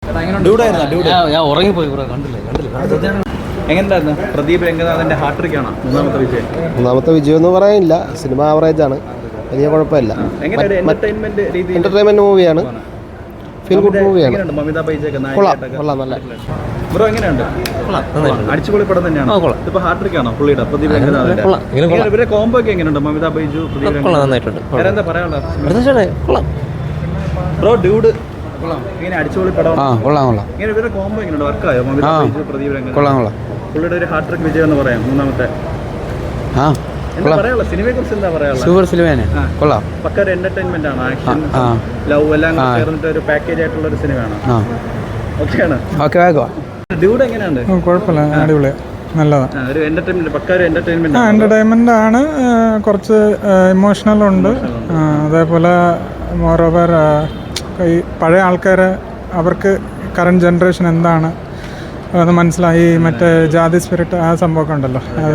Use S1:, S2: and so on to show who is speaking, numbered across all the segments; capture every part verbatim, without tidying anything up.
S1: ഞാൻ ഉറങ്ങിപ്പോയി ബ്രോ, കണ്ടില്ല കണ്ടില്ല.
S2: എങ്ങനെയുണ്ടായിരുന്നു പ്രദീപ് രംഗനാഥന്റെ ഹാട്രിക് ആണോ മൂന്നാമത്തെ വിജയം?
S3: മൂന്നാമത്തെ വിജയം എന്ന് പറയാനില്ല, സിനിമ ആവറേജ് ആണ്, വലിയ കുഴപ്പമില്ല. എന്റർടൈൻമെന്റ് മൂവിയാണ്, ഫീൽ ഗുഡ് മൂവിയാണ്.
S2: മമിത ബൈജൊക്കെ
S3: കൊള്ളാം, നല്ല.
S2: ബ്രോ എങ്ങനെയുണ്ട്? അടിച്ചുപൊളി പടം തന്നെയാണ്. ഇപ്പൊ ഹാട്രിക് ആണോ പുള്ളിയുടെ പ്രദീപ് രംഗനാഥന്റെ? ഇവരുടെ കോംബോ ഒക്കെ എങ്ങനെയുണ്ട്? മമിത ബൈജു, പ്രദീപ് രംഗനാഥ്, എന്താ പറയാനുള്ളത്? ബ്രോ ഡ്യൂഡ് ഇങ്ങനെ അടിച്ചുപൊളി പടം. ഇങ്ങനെ ഇവരുടെ കോംബോ എങ്ങനെയുണ്ട്? വർക്കായോ മമിത ബൈജു, പ്രദീപ് രംഗനാഥ്? പുള്ളിയുടെ ഒരു ഹാട്രിക് വിജയം എന്ന് പറയാം മൂന്നാമത്തെ. എന്താ പറയാനുള്ള സിനിമയെ കുറിച്ച് എന്താ പറയാനുള്ള?
S1: സൂപ്പർ സിനിമയാണ്, കൊള്ളാം.
S2: പക്ക ഒരു എന്റർടൈൻമെന്റ് ആണ്, ആക്ഷൻ ലവ് എല്ലാം ചേർന്നിട്ട് ഒരു പാക്കേജ് ആയിട്ടുള്ള ഒരു സിനിമയാണ്. ഓക്കെയാണ്. ഡ്യൂഡ് എങ്ങനെയുണ്ട്?
S4: കുഴപ്പമില്ല, അടിപൊളി, നല്ലതാണ്.
S2: ഒരു എന്റർടൈൻമെന്റ്, പക്ക ഒരു എന്റർടൈൻമെന്റ്
S4: എന്റർടൈൻമെന്റ് ആണ്. കുറച്ച് ഇമോഷണൽ ഉണ്ട്. അതേപോലെ മോറോവർ ഈ പഴയ ആൾക്കാരെ അവർക്ക് കറണ്ട് ജനറേഷൻ എന്താണ് അത് മനസ്സിലായി. മറ്റേ ജാതി സ്പിരിറ്റ് ആ സംഭവമൊക്കെ ഉണ്ടല്ലോ, അത്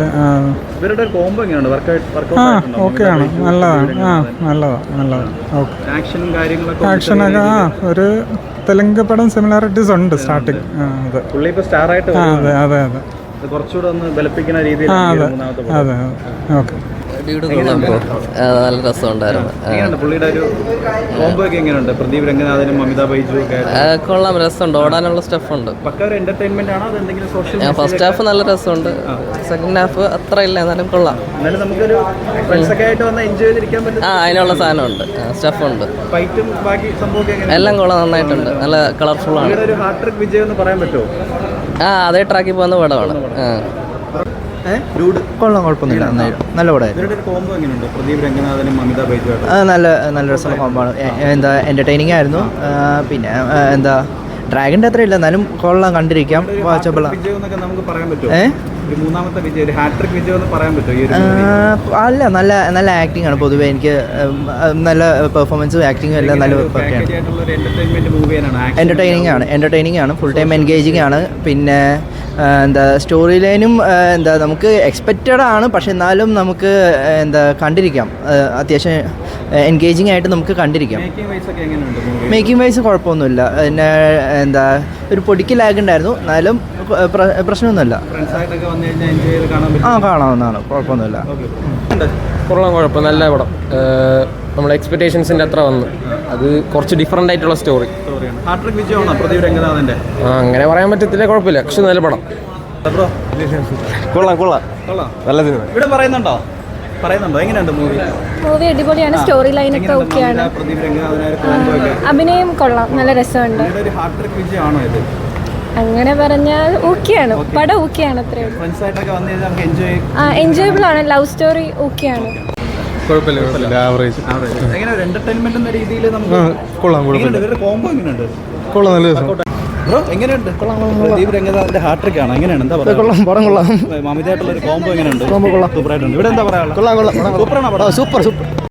S4: ആ ഓക്കെയാണ്, നല്ലതാണ്. ആ നല്ലതാണ് നല്ലതാണ് ഓക്കെ. ആക്ഷനൊക്കെ ആ ഒരു തെലുങ്ക് പടം സിമിലാരിറ്റീസ് ഉണ്ട് സ്റ്റാർട്ടിങ്. അതെ അതെ അതെ അതെ
S2: കുറച്ചുകൂടെ ഒന്ന് ബലപ്പിക്കുന്ന രീതിയിൽ.
S4: ആ അതെ അതെ ഓക്കെ.
S5: നല്ല രസമുണ്ടായിരുന്നു.
S2: മമിത ബൈജു
S5: കൊള്ളാം, രസമുണ്ട്, ഓടാനുള്ള സ്റ്റഫുണ്ട്. ഫസ്റ്റ് ഹാഫ് നല്ല രസമുണ്ട്, സെക്കൻഡ് ഹാഫ് അത്ര ഇല്ല, എന്നാലും കൊള്ളാം. ആ അതിനുള്ള സാധനമുണ്ട്, സ്റ്റഫുണ്ട്, എല്ലാം കൊള്ളാം, നന്നായിട്ടുണ്ട്, നല്ല കളർഫുൾ ആണ്. ആ അതേ ട്രാക്കിൽ പോകുന്ന പടമാണ്.
S6: കൊള്ളാം, കുഴപ്പമൊന്നുമില്ല, നല്ല പടമായിരുന്നു. നല്ല നല്ല രസമുള്ള കോമ്പാണ്. എന്താ എൻ്റർടൈനിങ് ആയിരുന്നു. പിന്നെ എന്താ ഡ്രാഗൻ്റെ അത്ര ഇല്ല, എന്നാലും കൊള്ളാം, കണ്ടിരിക്കാം, വാച്ചബിൾ. അല്ല, നല്ല നല്ല ആക്ടിങ് ആണ് പൊതുവേ. എനിക്ക് നല്ല പെർഫോമൻസും ആക്ടിങ്ങും എല്ലാം നല്ല ഒക്കെയാണ്. എൻ്റർടൈനിങ് ആണ് എൻ്റർടൈനിങ് ആണ് ഫുൾ ടൈം എൻഗേജിങ് ആണ്. പിന്നെ എന്താ സ്റ്റോറി ലൈനും എന്താ നമുക്ക് എക്സ്പെക്റ്റഡ് ആണ്, പക്ഷെ എന്നാലും നമുക്ക് എന്താ കണ്ടിരിക്കാം, അത്യാവശ്യം എൻഗേജിങ് ആയിട്ട് നമുക്ക് കണ്ടിരിക്കാം. മേക്കിംഗ് വൈസ് കുഴപ്പമൊന്നുമില്ല. പിന്നെ എന്താ ഒരു പൊടിക്ക് ലാഗ് ഉണ്ടായിരുന്നു, എന്നാലും പ്രശ്നമൊന്നുമില്ല. ആ കാണാവുന്നതാണ്, കുഴപ്പമൊന്നുമില്ല.
S7: കൊള്ളാം, കുഴപ്പം, നല്ല പടം. നമ്മുടെ എക്സ്പെക്ടേഷൻസിൻ്റെ അത്ര വന്നു. അത് കുറച്ച് ഡിഫറെൻ്റ് ആയിട്ടുള്ള സ്റ്റോറി. അങ്ങനെ പറയാൻ പറ്റത്തില്ല, കുഴപ്പമില്ല, പക്ഷെ നല്ല പടം.
S3: കൊള്ളാം കൊള്ളാം നല്ല സിനിമ.
S2: ഇവിടെ പറയുന്നുണ്ടോ പറയുന്നുണ്ടോ എങ്ങനെയുണ്ട് മൂവി?
S8: മൂവി അടിപൊളിയാണ്, സ്റ്റോറി ലൈനൊക്കെ ഓക്കെയാണ്, അഭിനയം കൊള്ളാം, നല്ല രസമുണ്ട്. അങ്ങനെ പറഞ്ഞാൽ ഓക്കെയാണ്, പടം ഓക്കെയാണ്, അത്രയും എൻജോയബിൾ ആണ്. ലവ് സ്റ്റോറി ഓക്കെയാണ്,
S2: എങ്ങനെയുണ്ട്? പ്രദീപ് രംഗനാഥന്റെ ഹാട്രിക് ആണ്, എങ്ങനെയാണ്? എന്താ പറയുക? മമിതയായിട്ടുള്ള ഒരു കോംബോ എങ്ങനെയുണ്ട്? ഇവിടെ എന്താ പറയാ? സൂപ്പറാണ് പടം, സൂപ്പർ സൂപ്പർ.